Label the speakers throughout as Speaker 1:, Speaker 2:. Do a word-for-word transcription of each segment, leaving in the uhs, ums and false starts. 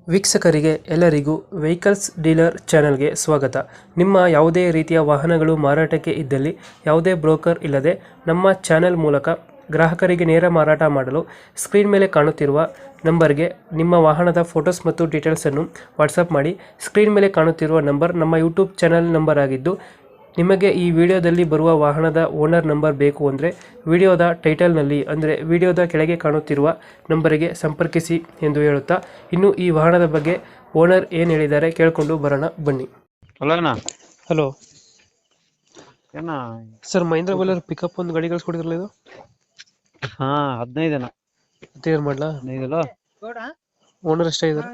Speaker 1: ವೀಕ್ಷಕರಿಗೆ ಎಲ್ಲರಿಗೂ vehicles dealer ಚಾನೆಲ್ಗೆ ಸ್ವಾಗತ. ನಿಮ್ಮ ಯಾವುದೇ ರೀತಿಯ ವಾಹನಗಳು ಮಾರಾಟಕ್ಕೆ ಇದ್ದಲ್ಲಿ ಯಾವುದೇ ಬ್ರೋಕರ್ ಇಲ್ಲದೆ ನಮ್ಮ ಚಾನೆಲ್ ಮೂಲಕ ಗ್ರಾಹಕರಿಗೆ ನೇರ ಮಾರಾಟ ಮಾಡಲು ಸ್ಕ್ರೀನ್ ಮೇಲೆ ಕಾಣುತ್ತಿರುವ ನಂಬರ್ಗೆ ನಿಮ್ಮ ವಾಹನದ ಫೋಟೋಸ್ ಮತ್ತು ಡೀಟೇಲ್ಸನ್ನು ವಾಟ್ಸಪ್ ಮಾಡಿ. ಸ್ಕ್ರೀನ್ ಮೇಲೆ ಕಾಣುತ್ತಿರುವ ನಂಬರ್ ನಮ್ಮ ಯೂಟ್ಯೂಬ್ ಚಾನೆಲ್ ನಂಬರ್ ಆಗಿದ್ದು, ನಿಮಗೆ ಈ ವಿಡಿಯೋದಲ್ಲಿ ಬರುವ ವಾಹನದ ಓನರ್ ನಂಬರ್ ಬೇಕು ಅಂದರೆ ವಿಡಿಯೋದ ಟೈಟಲ್ನಲ್ಲಿ ಅಂದರೆ ವಿಡಿಯೋದ ಕೆಳಗೆ ಕಾಣುತ್ತಿರುವ ನಂಬರಿಗೆ ಸಂಪರ್ಕಿಸಿ ಎಂದು ಹೇಳುತ್ತಾ, ಇನ್ನು ಈ ವಾಹನದ ಬಗ್ಗೆ ಓನರ್ ಏನು ಹೇಳಿದ್ದಾರೆ ಕೇಳಿಕೊಂಡು ಬರೋಣ ಬನ್ನಿ.
Speaker 2: ಹಲೋ ಅಣ್ಣ.
Speaker 1: ಹಲೋ
Speaker 2: ಏನ
Speaker 1: ಸರ್, ಮಹೇಂದ್ರ ಬೊಲೆರೋ ಪಿಕಪ್ ಒಂದು ಗಾಡಿ ಕಳಿಸ್ಕೊಡಿದ್ರಲ್ಲ, ಇದು
Speaker 2: ಹಾ ಹದಿನೈದು ಅಣ್ಣ.
Speaker 1: ಕ್ಲಿಯರ್ ಮಾಡಲಾ?
Speaker 2: ಹದಿನೈದಲ್ಲ.
Speaker 1: ಓನರ್ ಎಷ್ಟೇ ಇದ್ದಾರೆ?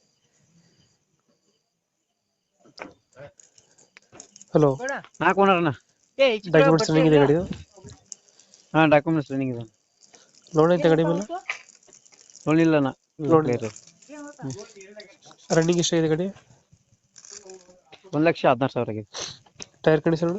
Speaker 1: ಹಲೋ,
Speaker 2: ನಾಲ್ಕು ಓನರ್ ಅಣ್ಣ.
Speaker 1: ಡಾಕ್ಯುಮೆಂಟ್ಸ್ ರನ್ನಿಂಗ್ ಇದೆ ಗಾಡಿ?
Speaker 2: ಹಾ ಡಾಕ್ಯುಮೆಂಟ್ಸ್ ರನ್ನಿಂಗ್ ಇದೆ.
Speaker 1: ಲೋನ್ ಐತೆ ಗಾಡಿ ಮೇಲೆ?
Speaker 2: ಲೋನ್ ಇಲ್ಲ ಅಣ್ಣ.
Speaker 1: ಲೋನ್ ರನ್ನಿಂಗ್ ಎಷ್ಟಾಗಿದೆ ಗಾಡಿ?
Speaker 2: ಒಂದ್ ಲಕ್ಷ ಹದಿನಾರು ಸಾವಿರ ಆಗಿದೆ.
Speaker 1: Tyre condition?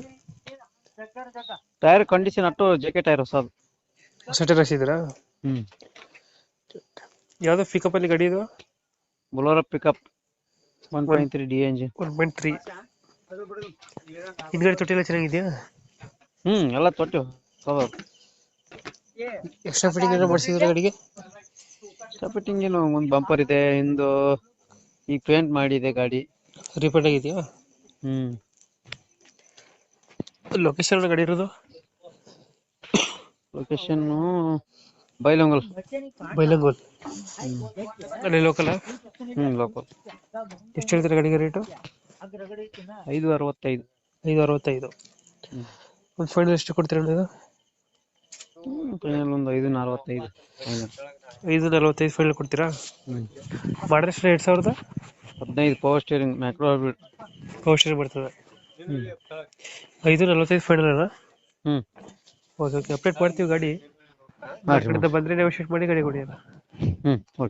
Speaker 2: ಟೈರ್ ಕಂಡೀಷನ್ ಅಟ್ಟು ಜೆ ಕೆ ಟೈರ್ ಹೊಸದು.
Speaker 1: ಸೆಟರ್ ಹಾಕ್ಸಿದ್ದೀರಾ?
Speaker 2: ಹ್ಮ್.
Speaker 1: ಯಾವ್ದು ಪಿಕಪ್ ಅಲ್ಲಿ ಗಾಡಿ ಇದು?
Speaker 2: Bolero pickup one point three D engine.
Speaker 1: One point three. ಹಿಂದ್ಗಡೆ ತೊಟ್ಟಿ ಎಲ್ಲ ಚೆನ್ನಾಗಿದೆಯಾ?
Speaker 2: ಹ್ಮ್ ಎಲ್ಲ ತೊಟ್ಟು ಹೌದು.
Speaker 1: ಎಕ್ಸ್ಟ್ರಾ ಫಿಟ್ಟಿಂಗ್ ಏನಾದ್ರು ಮಾಡಿಸಿದ್ರೆ ಗಾಡಿಗೆ?
Speaker 2: ಫಿಟ್ಟಿಂಗ್ ಏನು ಒಂದು ಬಂಪರ್ ಇದೆ, ಹಿಂದು ಈಗ ಪೇಂಟ್ ಮಾಡಿದೆ ಗಾಡಿ.
Speaker 1: ರಿಪೇಂಟ್ ಆಗಿದೆಯಾ?
Speaker 2: ಹ್ಮ್.
Speaker 1: ಲೊಕೇಶನ್ ಗಾಡಿ ಇರೋದು?
Speaker 2: ಲೊಕೇಶನ್ ಬೈಲಂಗಲ್.
Speaker 1: ಬೈಲಂಗೋಲ್ ಅಲ್ಲಿ ಲೋಕಲ್?
Speaker 2: ಹ್ಮ್ ಲೋಕಲ್.
Speaker 1: ಎಷ್ಟು ಹೇಳ್ತಾರೆ ಗಾಡಿಗೆ ರೇಟು?
Speaker 2: ಐದು ಅರವತ್ತೈದು.
Speaker 1: ಐದು ಅರವತ್ತೈದು. ಒಂದು ಫೈನಲ್ ಎಷ್ಟು ಕೊಡ್ತೀರಾ ಇದು?
Speaker 2: ಫೈನಲ್ ಒಂದು ಐದು ನಲವತ್ತೈದು.
Speaker 1: ಐದು ನಲವತ್ತೈದು ಫೈನಲ್ ಕೊಡ್ತೀರಾ?
Speaker 2: ಹ್ಮ್.
Speaker 1: ಮಾಡಿದ್ರೆ ಎಷ್ಟು? ಎರಡು ಸಾವಿರದ
Speaker 2: ಹದಿನೈದು power steering macro hybrid
Speaker 1: power steering ಬರ್ತದೆ.
Speaker 2: ಹ್ಮ್.
Speaker 1: ಐದು ನಲವತ್ತೈದು ಫೈನಲ್ ಅಲ್ಲ?
Speaker 2: ಹ್ಮ್.
Speaker 1: ಓಕೆ ಓಕೆ, ಅಪ್ಡೇಟ್ ಮಾಡ್ತೀವಿ ಗಾಡಿ.
Speaker 2: ಮಾಡ್ರಿ
Speaker 1: ಕಡೆಯಿಂದ ಬಂದರೆ ನೆಗೋಷಿಯೇಟ್ ಮಾಡಿ ಗಾಡಿ ಕೊಡಿ.
Speaker 2: ಹ್ಮ್ ಓಕೆ.